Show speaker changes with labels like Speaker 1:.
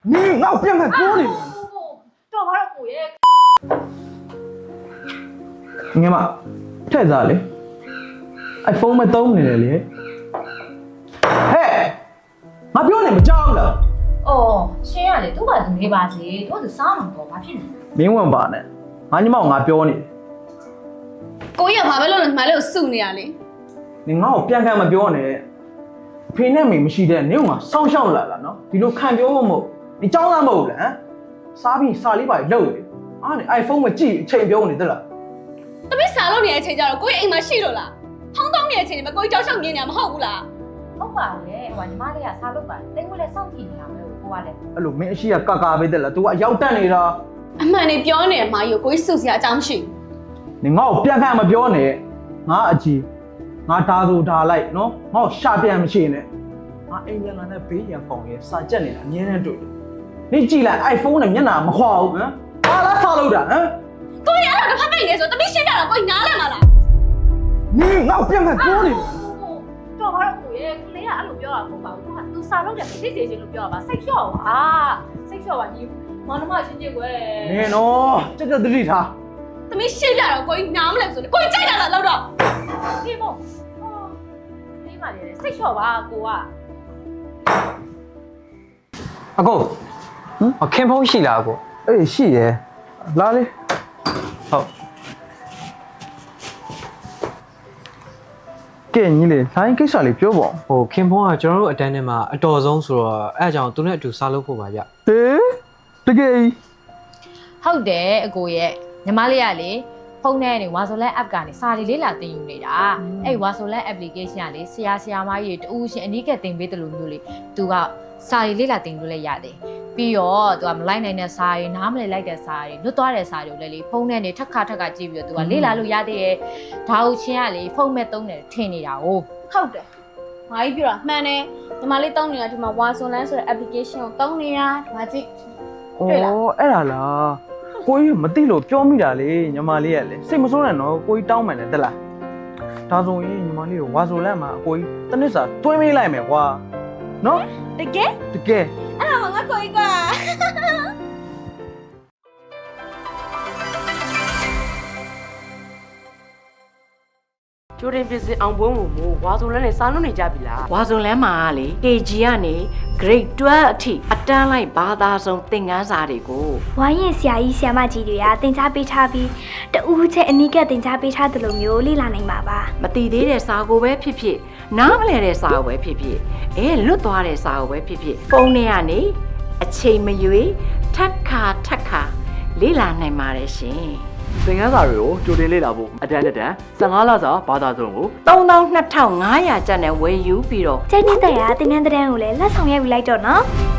Speaker 1: 你老变开玻璃。
Speaker 2: တော်ပါတော့ကိုရဲ့
Speaker 1: ငယ်မထက်စားလေအိုင်ဖုန်းမသုံးနေတယ်လေဟဲ့ငါပြောနေမကြောက်လား
Speaker 2: အော်ရှင်းရတယ်သူ့ဘာသူနေပါစေသူကသူစားမှာပေါ့ဘာဖြစ်နေလဲ
Speaker 1: မင်းဝင်ပါနဲ့ငါညီမကငါပြောနေတယ်
Speaker 3: ကိုကြီးကဘာပဲလုပ်လို့ညီမလေးကိုစုနေရလေ
Speaker 1: နင်ငါ့ကိုပြန်ခံမပြောနဲ့ဖေနဲ့မေမရှိတဲ့နင်ကငါစောင်းရှောက်လာလားနော်ဒီလိုခံပြောဖို့မဟုတ်ဒီကြောင်းသားမဟုတ်လားဟမ်စားပြီးစာလေးပါလှုပ်နေအားနေအိုင်ဖုန်းမကြည့်အချိန်ပြောနေသလား
Speaker 3: တပည့်စာလုပ်နေတဲ့အချိန်ကျတော့ကိုကြီးအိမ်မှာရှိလို့လားထောင်းတောင်းနေတဲ့အချိန်မှာကိုကြီးကြောက်ရှောက်မြင်နေတာမဟုတ်ဘူးလား
Speaker 2: ဟုတ်ပါလေဟိုညီမလေးကစားလုပ်ပါတယ်တိတ်ဝဲလဲစောင့်ကြည့်နေတာပဲကိုကလည်း
Speaker 1: အဲ့လိုမင်းအရှိကကကာပဲတဲ့လား तू ကအရောက်တက်နေတာ
Speaker 3: အမှန်နေပြောနေမှာယူကိုကြီးစုစရာအကြောင်းရှိ
Speaker 1: နင်ငါ့ကိုပြန်ခံမပြောနဲ့ငါအကြီးငါဓာဆိုဓာလိုက်နော်ငါ့ကိုရှာပြန်မရှိနဲ့ငါအိမ်ပြန်လာတဲ့ဘေးရန်ကောင်ရဲ့စာကြက်နေတာအမြဲတမ်းတွေ့တယ်နင်ကြည့်လိုက် iPhone နဲ့မျက်နှာမခွာဘူးဟမ်ဘာလားဆောက်လို့တာဟမ်
Speaker 3: ကိုကြီးအဲ့ဒါကဖတ်ပိတ်နေဆိုတပည့်ရှင်းပြတော့ကိုကြီးနားလည်မှာလား
Speaker 1: နင်ငါ့ကိုပြန်ခံပြောနေတယ်
Speaker 2: တော်ပါတော့ကိုရဲ့ကလေးကအဲ့လိုပြောတာမဟုတ်ပါဘူးသူကသူစားလုပ်တယ်သိစေချင်လို့ပြောတာပါစိတ်လျှော့ပါစိတ်လျှော့ပါညီမောင်နှမချင်းချင်းကွယ်
Speaker 1: နင်နော်ကြက်ကြက်တတိထား
Speaker 3: တပည့်ရှင်းပြတော့ကိုကြီးနားမလဲဆိုတော့ကိုကြီးကြိုက်တာလားလောက်တော့
Speaker 2: ဒီမို့ဒီမှာလေစိတ်လျှော့ပါကိုက
Speaker 4: အကိုခင်ဖုံးရှိလားအကို
Speaker 1: အေးရှိရယ်လာလေ
Speaker 4: ဟုတ်
Speaker 1: ကဲညီလေးလိုင်းကိစ္စလေးပြောပါဦး
Speaker 4: ခင်ဖုံးကကျွန်တော်တို့အတန်းထဲမှာအတော်ဆုံးဆိုတော့အဲ့အကြောင့်သူနဲ့အတူစားလုပ်ဖို့ပါဗျ
Speaker 1: ဟေးတကယ်ကြီး
Speaker 2: ဟုတ်တယ်အကိုရဲ့ညီမလေးကလေဖုန်းထဲကနေ Wasolan app ကနေစာရီလေးလာတင်ယူနေတာအဲ့ Wasolan application ကလေဆရာမကြီးတူရှင်အနီးကတင်ပေးတယ်လို့မျိုးလေသူကစာရီလေးလာတင်လို့လည်းရတယ်ပြီးတော့သူကမလိုက်နိုင်တဲ့စာရီနားမလည်လိုက်တဲ့စာရီလွတ်သွားတဲ့စာရီကိုလည်းလေဖုန်းထဲနေထက်ခါကြည့်ပြီးတော့သူကလေးလာလို့ရသေးရဲ့ဒါဟုတ်ချင်းကလေဖုန်းမဲ့သုံးတယ်ထင်နေတာ哦
Speaker 3: ဟုတ်တယ်ငါကြီးပြောတာမှန်တယ်ညီမလေးတောင်းနေတာဒီမှာ Wasolan ဆိုတဲ့ application ကိုတောင်းနေတာဒီမှာကြည့် တွေ့လား
Speaker 1: ဩအဲ့ဒါလားကိုကြီးမသိလို့ပြောမိတာလေညီမလေးကလေစိတ်မဆိုးနဲ့နော်ကိုကြီးတောင်းမှန်တယ်တက်လားဒါဆိုရင်ညီမလေးကိုဝါဆိုလန့်မှာအကိုကြီးတစ်နှစ်စာတွင်းမေးလိုက်မယ်ကွာနော်
Speaker 3: တကယ်
Speaker 1: တကယ်
Speaker 3: အဲ့ဒါမှငါကိုကြီးက
Speaker 5: ကျိုးတင်ပြစစ်အောင်ပွဲမို့ဝါစုံလန်းနဲ့စားလို့နေကြပြီလားဝါစုံလန်းမှာလေ KG ကနေ Grade 12အထိအတန်းလိုက်ဘာသာဆုံးသင်ခန်းစာတွေကို
Speaker 6: ဝိုင်းရင်ဆရာကြီးဆရာမကြီးတွေကတင် जा ပေးထားပြီးတူးချက်အနီးကတင် जा ပေးထားတယ်လို့မျိုးလေ့လာနိုင်ပါပါ
Speaker 5: မတည်သေးတဲ့စာကိုပဲဖြစ်ဖြစ်နားမလည်တဲ့စာကိုပဲဖြစ်ဖြစ်လွတ်သွားတဲ့စာကိုပဲဖြစ်ဖြစ်ဖုန်းထဲကနေအချိန်မရွေးထက်ခါလေ့လာနိုင်ပါတယ်ရှင်
Speaker 7: သင်ခန်းစာတွေကိုကြိုတင်လေ့လာဖို့အတန်း15လစာဘာသာစုံကို
Speaker 5: 32,500ကျပ်နဲ့ဝယ်ယူပြီးတော့
Speaker 6: ကျိုင်းနေတဲ့ရာတင်တဲ့တဲ့ကိုလည်းလက်ဆောင်ရိုက်ပြီးလိုက်တော့နော်